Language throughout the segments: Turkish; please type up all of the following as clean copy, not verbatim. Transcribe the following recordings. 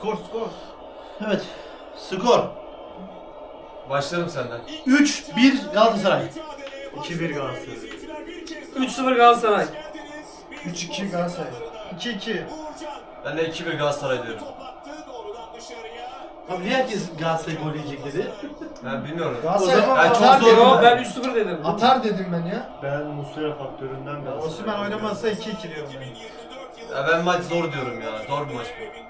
Skor. Evet. Skor. Başlarım senden. 3-1 Galatasaray. 2-1 Galatasaray. 3-0 Galatasaray. 3-2 Galatasaray. 2-2. Ben de 2-1 Galatasaray diyorum. Abi niye herkes Galatasaray gol yiyecek dedi? Ben bilmiyorum. Galatasaray O zaman Ben çok atar zor- dedim Yo ben. ben 3-0 dedim. Atar dedim ben ya. Ben Muslera faktöründen Galatasaray. Osimhen oynamazsa 2-2 diyorum ben. Ya ben maç zor diyorum ya. Zor bir maç bu.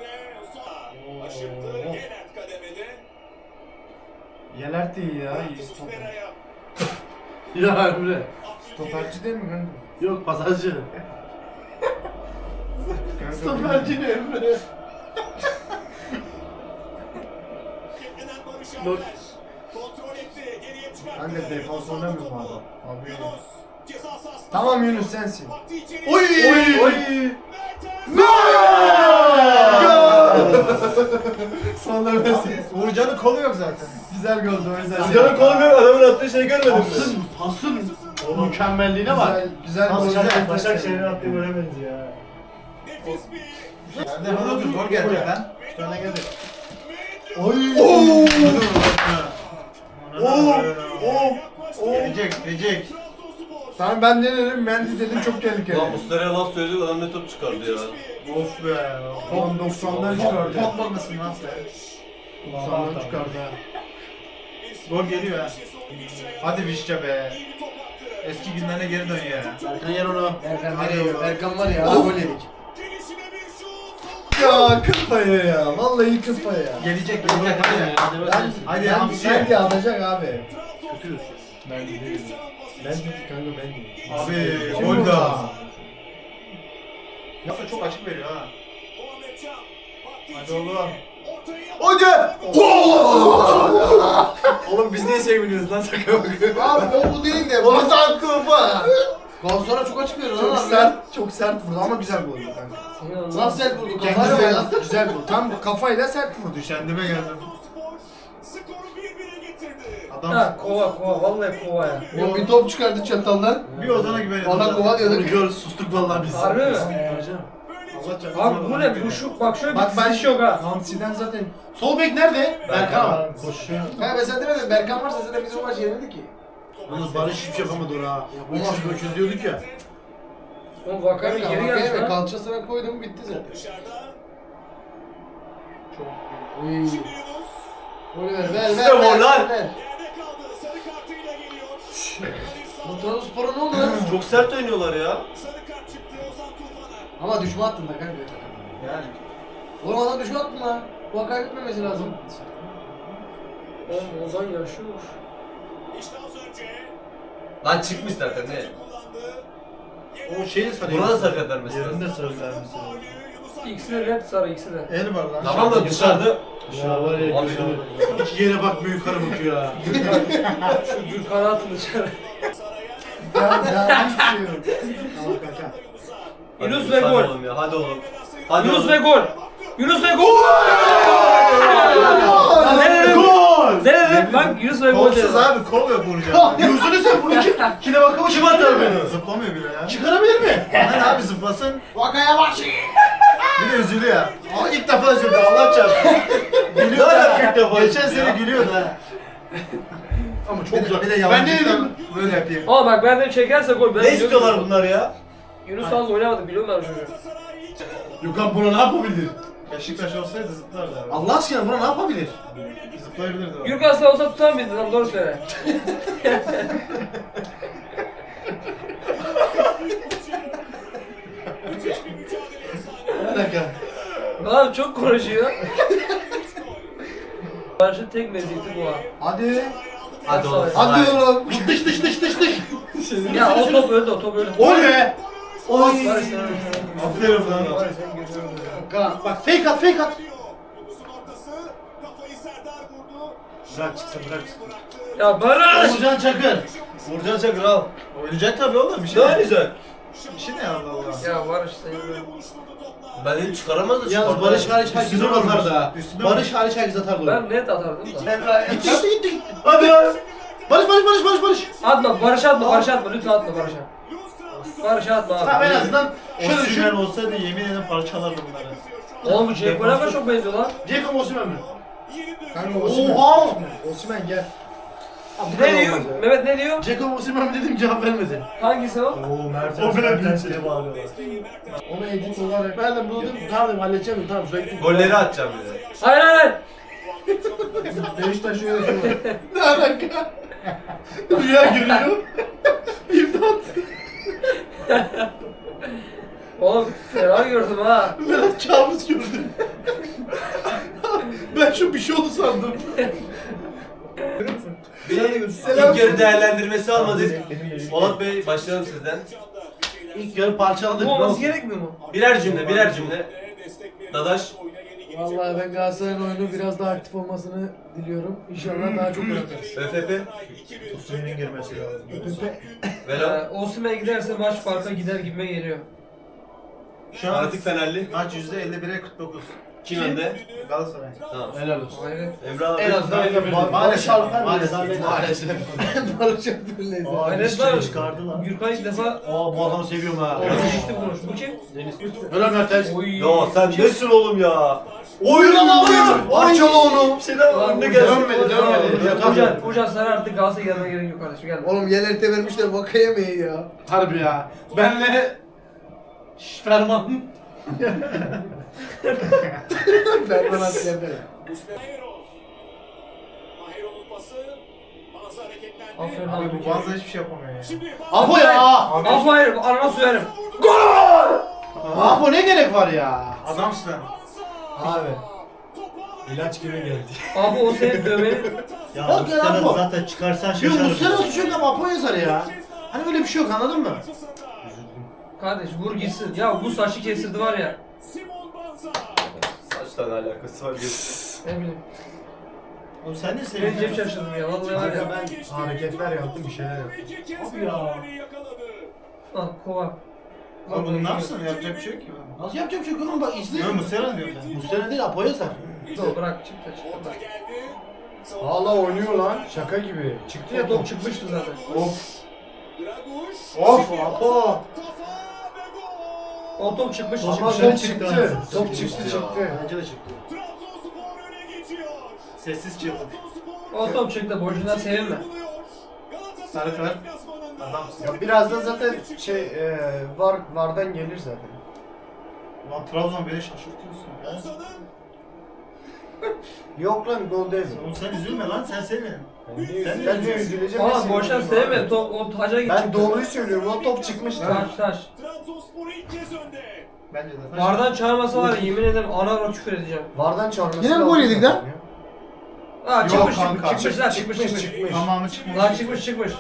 Yeler de iyi ya. İyi stoper. Ya Emre. Stoperci değil mi kanka? Yok pasajcı. Kanka Stoperci ne Emre? Kanka defans oynamıyor mu adam? Abi. Tamam Yunus sensin. Oy! Sonra versin. Uğurcan'ın kolu yok zaten. Güzel goldü o yüzden. Canım kolmuyor, adamın attığı şeyi görmedin mi? Pasın mükemmelliğine bak. Güzel gol. Başakşehir'in attığı gole benziyor ya. Nerede? Bana dur gol geldi lan. 3 tane geldi. Oy! Gelecek. Tamam ben ne dedim? Mendy dedim çok tehlikeli. Ulan Muslera'ya laf söyledik adam ne top çıkardı ya. Of be. 90'dan çıkardı. Pogba mısın lan sen? 90'dan çıkardı ha. Gol geliyor ha. Hadi Vişça be. Eski günlerine geri dön ya. Erkan yer onu. Erkan nereye? Erkan var ya. Gol yedik. Ya kız payı ya. Vallahi kız payı ya. Gelecek hadi. Hadi Hamsi. Mendy alacak abi. Kötüyüz. Mendy değil. Ben dedim kanka ben dedim. Abi Kim gol vurdu? da. Yasa çok açık veriyor ha. Hadi oğlum. Hadi! Oğlum biz niye seviniyoruz lan sakın bakın. Abi o bu değil de. Bana da attı bana. Gol sonra çok açık veriyor Çok lan. çok sert vurdu ama güzel vurdu kanka. Nasıl sert vurdu? Kendi Kafayla güzel, ya. güzel vurdu. Tam kafayla sert vurdu. Kendime geldim. Adam Ha kova vallahi kova ya. O bir top çıkardı çataldan. bir Ozan'a güveniyor. Ona kova Bunu diyorduk. Gör sustuk vallahi biz. Harbi mi? Allah çarpsın. Abi bu ne? Bu şu bak şöyle bir Bak ben diziş yok ha. Hamsi'den zaten Sol bek nerede? Berkan var. Koşuyor. Ha ben sen demedin Berkan varsa zaten biz o maçı yenildik ki. yalnız Barış hiçbir şey yapamadı oraya. Yapamaz. 300 diyorduk ya. Oğlum Vakayeme geri geldi Evet lan. kalçasına koydum bitti zaten. Çok iyi. Golü ver. İşte gol lan. ver. Bu Trabzonspor'a ne oldu lan? Çok sert oynuyorlar ya. Ama düşme attın da kanka. Yani. Oğlum adam düşme attın lan. Bu hak kaybetmemesi lazım. Oğlum Ozan yaşıyor. Lan çıkmış zaten ne? O şeyi Buna da sakat vermesi lazım. Yerinde söz vermişsin. İkisi de net sarı ikisi de. El var lan. Tamam da dışarıda. Ya var ya Abi, gözünü. İki yere bakmıyor yukarı bakıyor ha. Şu Gürkan'ı atın dışarı. Ya hiçbir şey yok. Tamam kanka. Yunus Hadi ve gol. oğlum ya hadi oğlum. Hadi Yunus oğlum. ve gol. Yunus ve gol. Ne dedim? Gol! Ne dedim? Bak Yunus ve gol Kolsuz dedim. abi kol yok vuracak. Yüzünü sen bunu kim? Kime bakımı kim atar beni? Zıplamıyor bile ya. Çıkarabilir mi? Aman abi zıplasın. Vakaya bak. Bir de üzülüyor ya. Ama ilk defa üzüldü Allah çarpsın. Gülüyor ya. ilk defa Geçen üzüldü sene ya. gülüyordu ha. Ama Bir de, bir de Ben ne dedim? Böyle yapayım. Oğlum bak ben de çekerse gol. Ben Ne istiyorlar bunlar ya? Yunus az oynamadı biliyor musun çocuğu? Gökhan buna ne yapabilir? Beşiktaş olsaydı zıplardı abi. Allah aşkına buna ne yapabilir? Zıplayabilirdi o. Gürkan sen olsa tutar mıydın lan doğru söyle. Bir dakika. Abi çok konuşuyor. Barış'ın tek meziyeti bu ha. Hadi. Hadi oğlum. Hadi oğlum. Dış dış dış dış dış. Ya o top öldü o top öldü. Gol be. Oy. Barış sen Aferin lan. Barış sen geçiyorum. Bak fake at fake at. Bırak çıksın bırak. Ya Barış! Uğurcan Çakır. Vurcan Çakır al. Oynayacak tabii oğlum. Bir Ne şey oynayacak? Bir şey ne Allah Allah. Ya Barış sen Ben dedim çıkaramaz da Yalnız çıkardı. Barış hariç herkes Üstüne atar vurmuş. da. Üstüne Barış hariç herkes atar golü. Ben net atardım da. Gitti gitti gitti. Hadi ya. Barış. Atma Barış atma lütfen atma Barış'a. Barış'a atma abi. Tamam en azından şöyle Şöyle düşün. olsaydı yemin ederim parçalardı bunları. Oğlum bu Ceko'ya kadar çok benziyor lan. Jacob Osimhen mi? Kanka Osimhen. Oha! Osimhen gel. Ne diyor? Mehmet ne diyor? Jacob Osimhen mi dedim cevap vermedi. Hangisi o? Oo Mertens. O bile Mertens bildi. diye bağırıyorlar. Ona edit olarak. Ben de bunu dedim tamam dedim halledeceğim tamam şuraya gittim. Golleri atacağım bir de. Hayır hayır. Beşiktaş öyle şey var. Ne alaka? Rüya görüyor. İmdat. Oğlum fena gördüm ha. Berat kabus gördüm. Ben şu bir şey oldu sandım. İlk yarı değerlendirmesi almadık. Polat Bey başlayalım sizden. İlk yarı parçaladık. Bu olması gerekmiyor mu? Birer cümle. Dadaş. Vallahi ben Galatasaray'ın oyunu biraz daha aktif olmasını diliyorum. İnşallah daha çok gol atarız. ÖFP. Osimhen'in girmesi lazım. Velo. Osimhen giderse maç farka gider gibime geliyor. Şu an Fanatik Fenerli. maç %51'e 49. Kim önde? Galatasaray. Tamam. Helal olsun. Hayret. Emre abi. En azından Maalesef. Maalesef. Maalesef. Barış Alper'leyiz. Hayret var. çıkardı lan. Gürkan ilk defa Aa bu adamı seviyorum ha. geçti konuş. Bu kim? Helal Mertens. Oy. Ya sen nesin oğlum ya? Oyun ama oyun. Parçala onu. Şeyden Lan önüne bu gelsin. dönmedi. Hocan sana artık Galatasaray gelmeye gerek yok kardeşim gel. Oğlum YLT vermişler Vakayeme'yi ya. Harbi ya. Benle Ferman. Ferman Asker'de. Aferin Abi abi. bu bazı hiçbir şey yapamıyor ya. Apo ya. Aferin anana söylerim. Apo ne gerek var ya? Adamsın. Abi. İlaç gibi geldi. Abi o senin dövmenin. Ya Bak ya Apo. zaten çıkarsan Yok Muslera suçu yok ama Apo yazar ya. Hani böyle bir şey yok anladın mı? Kardeş vur gitsin. Ya bu saçı kestirdi var ya. Saçla ne alakası var Ne bileyim. Oğlum sen ne Ben cep şaşırdım ya vallahi var ya. Hareketler yaptım bir şeyler yaptım. Abi ya. Al kova. Abi bunu ne yapsın? Yapacak bir şey yok ki. Nasıl yapacak bir şey yok oğlum bak izle. Yok Muslera diyor ben. Muslera değil Apo yazar. Dur bırak çık da çık da. Valla oynuyor lan. Şaka gibi. Çıktı ya O top çıkmıştı zaten. Of. Of Apo. O top çıkmıştı. Ama çıkmıştı. top çıktı. Top çıktı çıktı. Bence de çıktı. Sessiz çığlık. O top çıktı. Boşuna sevinme. Sarı kart. Adamsın. Ya birazdan zaten vardan gelir zaten. Lan Trabzon beni şaşırtıyorsun ya. Yok lan gol değil. Oğlum sen üzülme lan sen sevin. Ben de üzüleceğim. Valla boşuna sevinme. Top o taca gitti. Ben doğruyu söylüyorum. O top çıkmıştı. Taş. Bence de. Bardan çağırmasa var ya yemin ederim ana ara küfür edeceğim. Vardan çağırması Yine mi gol yedik lan? Aa Yok çıkmış kanka. çıkmış. Tamamı çıkmış. Lan çıkmış.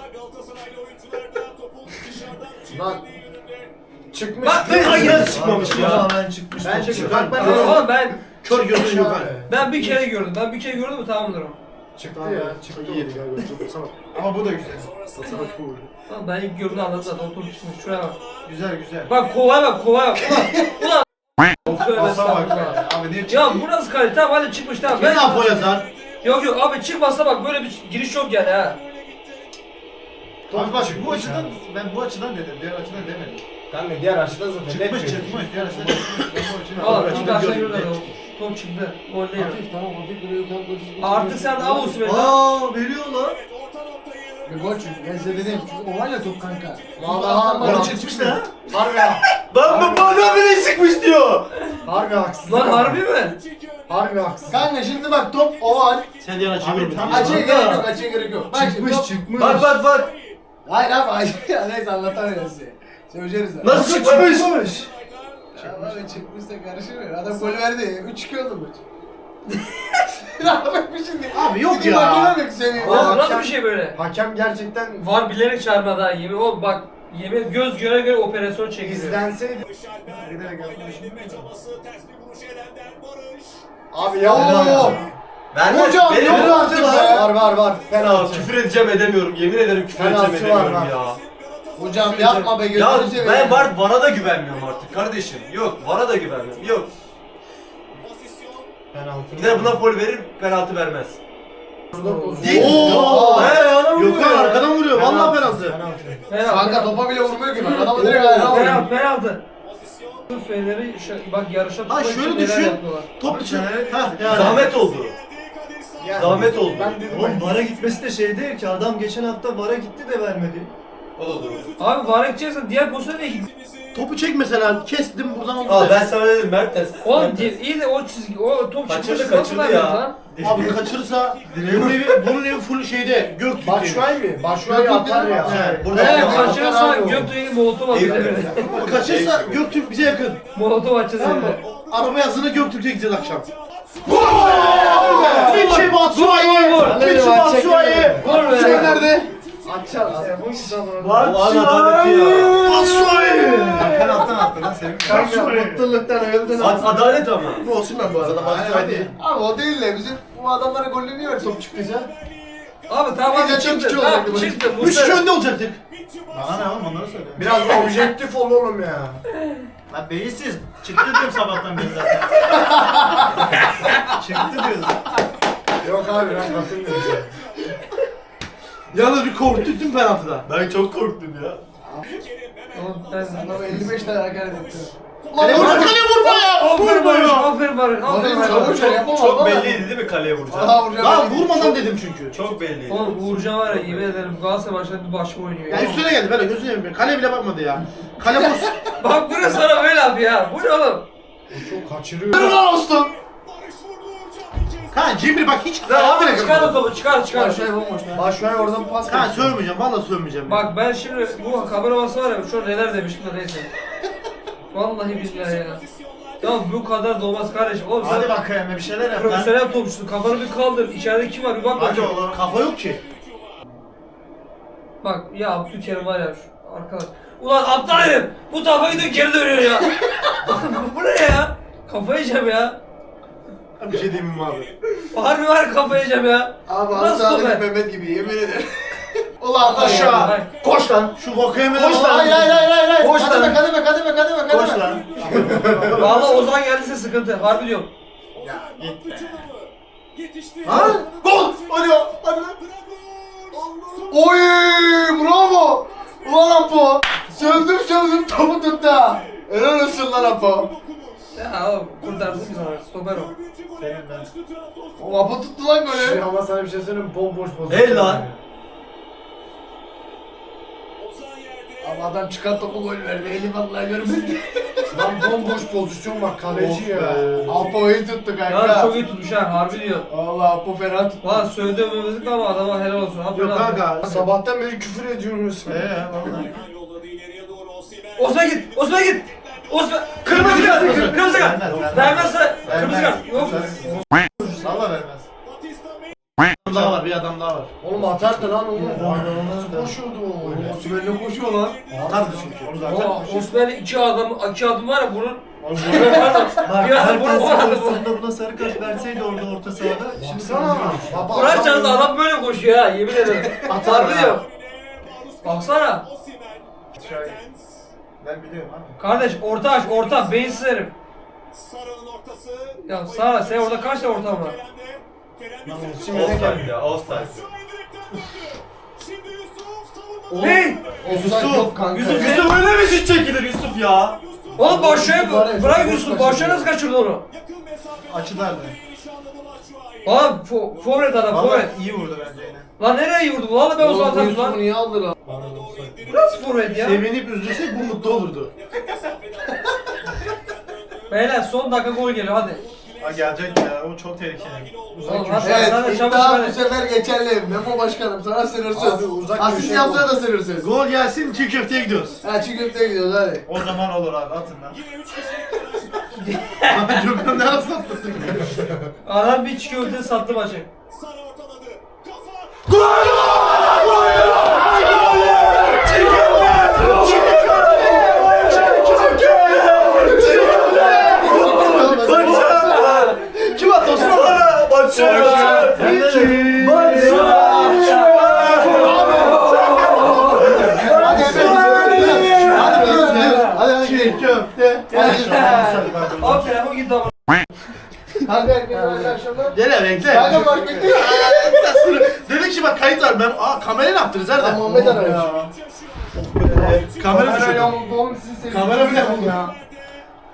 Lan çıkmış. Bak, Hayır çıkmamış ya. Tamamen çıkmış. Ben Top çıkmış. Bak ben Oğlum, de oğlum ben Kör gözün yok hani. ben bir kere gördüm. Ben bir kere gördüm mü tamamdır o. çıktı ya. Çıktı. İyi yedik abi. Çok basamak. Ama bu da güzel. Basamak bu. Lan ben ilk gördüğümde anladım zaten o top çıkmış. Şuraya bak. Güzel güzel. Bak kovaya bak. Ulan. Tövbe Basa bak estağfurullah. ya. Abi niye çıktı? Ya bu nasıl kalite? Tamam hadi çıkmış tamam. Yine Apo yazar. Yok abi çıkmasa bak böyle bir giriş yok yani ha. Abi bak bu açıdan ben bu açıdan dedim. Diğer açıdan demedim. Kanka diğer açıdan zaten. Çıkmış. Diğer açıdan çıkmış. Ben bu açıdan. Valla Abi, çok ben aşağı gördüm, yürüdü net. o. Top çıktı. Gol değil. Hafif tamam hafif böyle yukarı doğru. Artık sen de al Osimhen'i. Aa veriyor lan. Bir gol çünkü. Ben size dedim. Çünkü o var ya top kanka. Gol çıkmış da. Harbi Lan bu adam bile çıkmış diyor. Harbi haksız. Lan harbi mi? Harbi haksız. Kanka şimdi bak top oval. Sen diğer açıyı Abi, görmedin. tamam. Açıya gerek yok, açıya gerek yok. Bak şimdi top... çıkmış. Bak. Hayır abi, hayır. Neyse anlatamıyorum size. Söyleyeceğiz de. Nasıl çıkmış? Ya abi çıkmışsa karışır. Adam gol verdi. 3-2 oldu maç. Ya bak bir şimdi. Abi yok İki ya. mahkeme mi seviyor? Oğlum nasıl bir şey böyle? Hakem gerçekten Var bilerek çağırmadı ha yemin. Oğlum bak yemin göz göre operasyon çekiliyor. izlenseydi. Giderek yapmışım. Abi ya ooo. Vermez. Hocam Benim yok penaltı artık var. var. Ya Penaltı. küfür edeceğim edemiyorum. Yemin ederim küfür Penaltı edeceğim var, edemiyorum var. ya. Hocam yapma be Ya gözünü seveyim. ben VAR'a da güvenmiyorum artık kardeşim. Yok VAR'a da güvenmiyorum. Yok. Penaltı. Gider buna foul verir penaltı vermez. Değil. Oo. He yana vuruyor Yok lan ya. arkadan vuruyor. Vallahi penaltı. Penaltı. Kanka topa bile vurmuyor ki bak. Adamı direkt ayağına vuruyor. Penaltı. Fener'i bak yarışa Ha, tutmak şöyle için neler düşün. yapıyorlar. Top dışı. Evet. Ha yani. Zahmet oldu. Zahmet oldu. Ben dedim. Oğlum VAR'a gitmesi de şey değil ki, adam geçen hafta VAR'a gitti de vermedi. O da doğru. Abi var edeceksen diğer pozisyona niye gittin? Topu çek mesela. Kestim buradan oldu. Al ben sana dedim Mertens. Oğlum iyi de o çizgi, o top Kaçırdı, çıkmış nasıl kaçırdı vermedin ya. lan? Abi kaçırırsa bunun evi full şeyde. Göktürk'te. Başşuay mı? Başşuay atar ya. He. Burada He yapma. kaçırırsa Atar abi o. Göktuğ'u molotov atacağız. Kaçırsa Göktürk bize yakın. Molotov atacağız Tamam mı? evde. Araba yazını Göktürk'e gideceğiz akşam. Michi Batshuayi! Michi Batshuayi! Gol be. Şey nerede? Açar. Bu adaleti ya. Batshuayi! Penaltıdan attı lan Sevim. Kanka mutluluktan öldün abi. Adalet ama. Bu Osimhen bu arada Batshuayi değil. Abi o değil de bizim bu adamlara golünü niye öyle top çıktıysa? Abi tamam Biz de abi çıktı. çok Tamam olacaktı bu. çıktı. 3-3 önde olacaktık. Bana ne oğlum onları söyle. Biraz da objektif ol oğlum ya. Lan beyinsiz. Çıktı diyorum sabahtan beri zaten. Çıktı diyoruz. Yok abi ben katılmıyorum. Yalnız bir korktuk değil mi penaltıda? Ben çok korktum ya. Oğlum ben Adam 55 tane hakaret etti. Kaleye vurma, kaleye vurma ya! Aferin Barış, Vurma ya! aferin Barış, aferin Barış, Barış. çabucak yapamaz. Çok belliydi değil mi kaleye vuracağım? Aha vuracağım. Daha vurmadan dedim çünkü. Çok belliydi. Oğlum Uğurcan var ya yemin ederim Galatasaray maçında bir başka oynuyor ya. Ya üstüne geldi böyle gözüne yemiyor. Kaleye bile bakmadı ya. Kale boş. Bak bu ne sana böyle abi ya. Bu ne oğlum? Çok kaçırıyor. Helal olsun. Kan Cimri bak hiç Abi çıkar o topu çıkar. Başşuay bomboş lan. Başşuay oradan pas Kan kaçırıyor. sövmeyeceğim valla sövmeyeceğim. Bak ben şimdi bu kamera bası var ya şu an neler demiştim de neyse. Vallahi billahi ya. Ya bu kadar da olmaz kardeşim. Oğlum Hadi sen bakayım bir şeyler yap lan. profesyonel topçusun. Kafanı bir kaldır. İçeride kim var bir bak Hadi bakayım. oğlum. Kafa yok ki. Bak ya Abdülkerim var ya şu arkadaş. Ulan aptal herif. Bu tarafa gidiyor geri dönüyor ya. Bu ne ya? Kafayı yiyeceğim ya. Bir şey diyeyim mi abi? Harbi var kafayı yiyeceğim ya. Abi Nasıl Aslı be? Mehmet gibi yemin ederim. Ulan Aşağı. Hayır. Koş lan. Şu Vakayeme'den Koş lan. Hayır hayır hayır hayır. Koş lan. Kademe. Koş lan. Vallahi Ozan geldiyse sıkıntı. Harbi diyorum. Ha? Gol. Hadi ya. Hadi lan. Oy bravo. Ulan Apo. Sövdüm topu tuttu ha. Helal olsun lan Apo. Ya oğlum kurtarsın bizi abi. Stoper o. O Apo tuttu lan golü. Ama sana bir şey söyleyeyim, bomboş pozisyon. El lan. Ama adam çıkan topu gol verdi. Eli vallahi görmedi. Lan bomboş pozisyon bak, kaleci ya. Apo'yu tuttu Ya kanka. çok iyi tutmuş ha harbi diyor. Allah Apo fena tuttu. Valla söylediğimizlik ama adama helal olsun. Aferin Yok abi. kanka. Sabahtan beri küfür ediyoruz. Vallahi. Osman git. Osman git. Osman. Kırmızı kart. Kırmızı kart. Vermezse kırmızı kart. Yok. Valla vermez. Bir adam daha var, bir adam daha var. Oğlum atardı lan oğlum. Nasıl koşuyordu o? Osman'la koşuyor lan. Atardı çünkü. Onu zaten. Osman'ın iki adım var ya bunun. Pardon. Bir adım bunun var. Aslında buna sarı kart verseydi orada orta sahada. Şimdi Sana. Baba, Kur'an çarptı adam böyle koşuyor ha yemin ederim. Harbi diyorum. Baksana. Ben biliyorum abi. Kardeş orta aç orta beyinsiz herif. Ya Sara sen orada kaç tane ortam var? Offside ya, offside. Hey! Offside yok kanka. Yusuf, ya. Yusuf öyle mi şut çekilir Yusuf ya? Oğlum başlıyor Var ya, bırak boş Yusuf kaçırdı. başlıyor nasıl kaçırdı onu? Açılardı. Oğlum forvet adam Valla forvet. iyi vurdu bence yine. Lan nereye iyi vurdu? Valla ben o zaman Oğlum bu atarım Yusuf'u lan. niye aldı lan? Bu nasıl forvet ya? Sevinip üzülsek bu mutlu olurdu. Beyler son dakika gol geliyor hadi. Ha gelecek ya. O çok tehlikeli. Oğlum hadi sen de Evet, çabuk iddia bu hadi. sefer geçerli. Memo başkanım sana sınırsız. Abi, uzak Asist köşe yapsana da sınırsız. Gol gelsin çiğ köfteye gidiyoruz. Ha çiğ köfteye gidiyoruz hadi. O zaman olur abi atın lan. Gökhan ne arasını atlasın? Adam bir çikolata sattı maçı. Kim attı Osman? Hadi hadi Çiğ köfte. Abi telefon gitti ama. Kanka herkese hayırlı akşamlar. Gel bekle. Kanka fark ettin. Dedik ki bak kayıt var. Ben kamerayı ne yaptınız Lan nerede? Muhammed arıyor. Kamera düşürdü. yamuldu oğlum sizin Kamera bile ya.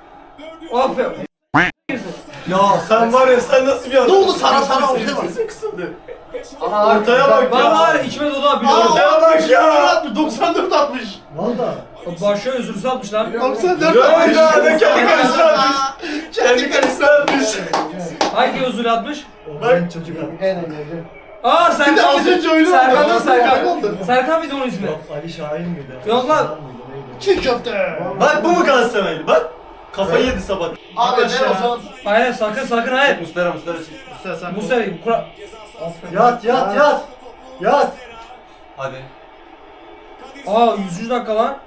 Aferin. Ya sen var ya sen nasıl bir adam? Ne oldu sana ortaya bak. Sesin kısıldı. Ortaya bak Ben ya. var ya içime dolu abi. Ortaya bak ya. 94 atmış. Valla. Başa özürsü atmış lan. 94 Ya atmış. ya kendi kalesine atmış. Kendi kalesine atmış. Hangi özürlü atmış? Ben çocuk abi. Aa Bir de Serkan. az önce öyle Serkan oldu. da Serkan. oldu. Serkan mıydı onun ismi? Yok Ali Şahin miydi? Yok lan. Şahin miydi, neydi? Çiğ köfte. Bak bu mu Galatasaraylı? Bak. Kafayı yedi sabah. Abi ne ya. o zaman? Hayır sakın hayır. Mustara. Sen Bu sefer kura... Yat. Yat. Hadi. Aa 100. dakika lan.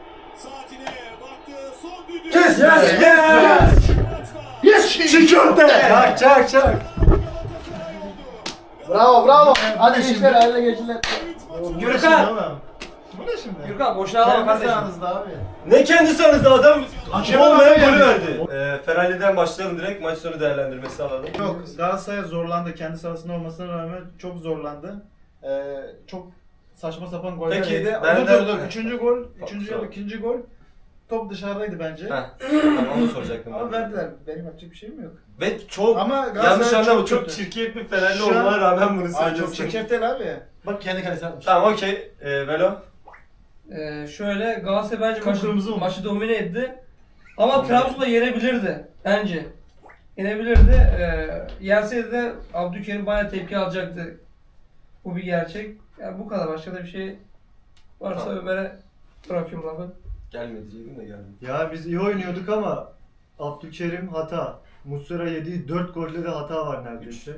Yes Yes. Çiğ köfte. Çak. Bravo. Hadi gençler haline geçinler. Gürkan. Bu ne şimdi? Gürkan boşuna alma Kendi kardeşim. sahanızda abi. Ne kendisi aranızda adam Hakem olmayan adam golü yani. verdi. Ferali'den başlayalım direkt maç sonu değerlendirmesi alalım. Yok Galatasaray zorlandı. Kendi sahasında olmasına rağmen çok zorlandı. Çok saçma sapan goller Peki, yedi. ben de- Dur. Üçüncü gol. Üçüncü Tamam. yarı ikinci gol. Top dışarıdaydı bence. Heh, tamam onu soracaktım Ama ben. verdiler. Benim yapacak bir şeyim yok. Ve çok Ama yanlış Galatasaray anlama çok kötü. çirkef bir Fenerli Şu an- olmana rağmen bunu Ay çok söylüyorsun. çirkef değil abi. Bak kendi kalesine atmış. Tamam okey. Velo. Şöyle Galatasaray bence Kıpkırmızı olmuş. maçı domine etti. Ama Trabzon'da yenebilirdi bence. Yenebilirdi. Yenseydi de Abdülkerim bayağı tepki alacaktı. Bu bir gerçek. Yani bu kadar. Başka da bir şey varsa Tamam. Ömer'e bırakıyorum lafı. Gelmedi diyecektim de geldi. Ya biz iyi oynuyorduk ama Abdülkerim hata. Muslera yediği 4 golde de hata var neredeyse.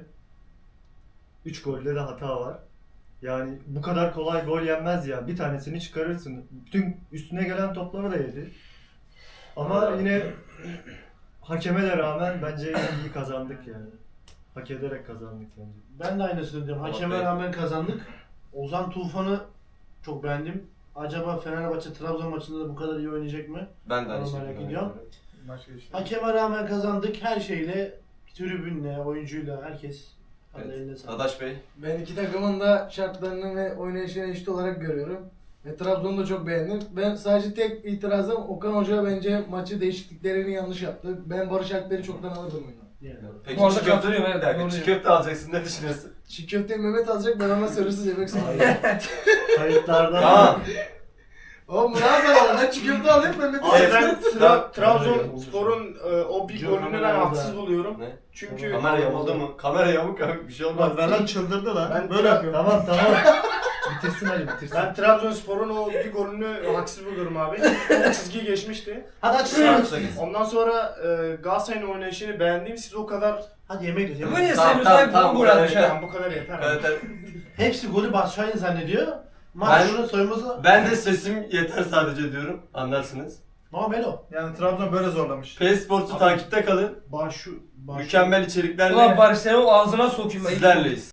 3 golde de hata var. Yani bu kadar kolay gol yenmez ya. Bir tanesini çıkarırsın. Bütün üstüne gelen topları da yedi. Ama Evet. yine hakeme de rağmen bence iyi kazandık yani. Hak ederek kazandık bence. Ben de aynısını diyorum. Hakeme Bey. rağmen kazandık. Ozan Tufan'ı çok beğendim. Acaba Fenerbahçe Trabzon maçında da bu kadar iyi oynayacak mı? Ben de aynı Onu şekilde. merak ediyorum. Başka işte. Hakeme rağmen kazandık her şeyle, tribünle, oyuncuyla, herkes. Evet. Eline sağlık. Adaş Bey. Ben iki takımın da şartlarını ve oynayışını eşit olarak görüyorum. Ve Trabzon'u da çok beğendim. Ben sadece tek itirazım Okan Hoca bence maçı değişikliklerini yanlış yaptı. Ben Barış Alper'i çoktan alırdım oyuna. Yani. Peki Bu arada çiğ köfte, katılıyorum, evet, bir dakika, doğru çiğ diyor. köfte alacaksın ne düşünüyorsun? Çiğ köfteyi Mehmet alacak, ben ona sarısız yemek söyleyeyim. Kayıtlardan Tamam. Oğlum Murat abi ben çiğ köfte alayım Mehmet'i Evet. sarısız. Trabzonspor'un o bir golünü ben haksız buluyorum. Ne? Çünkü Kamera yamuldu mu? Kamera yamuk abi bir şey olmaz. Lan çıldırdı lan. Ben Böyle yapıyor. Tamam. Bitirsin Ali bitirsin. ben Trabzonspor'un o bir golünü haksız buluyorum abi. O çizgiyi geçmişti. Hadi aç Ondan sonra Galatasaray'ın oynayışını beğendiğim siz o kadar Hadi yemek yiyoruz. Ömer niye Tamam, sevmiyorsun? Hep tamam, gol tamam, atmış ha. tamam, bu kadar yeter. abi. Evet, Hepsi golü Batshuayi zannediyor. Maç Ben- şunu soyması. ben de sesim yeter sadece diyorum. Anlarsınız. Ama Melo. Yani Trabzon böyle zorlamış. PS Sports'u takipte kalın. Başu. Mükemmel içeriklerle Ulan bari seni o ağzına sokayım. ben. sizlerleyiz.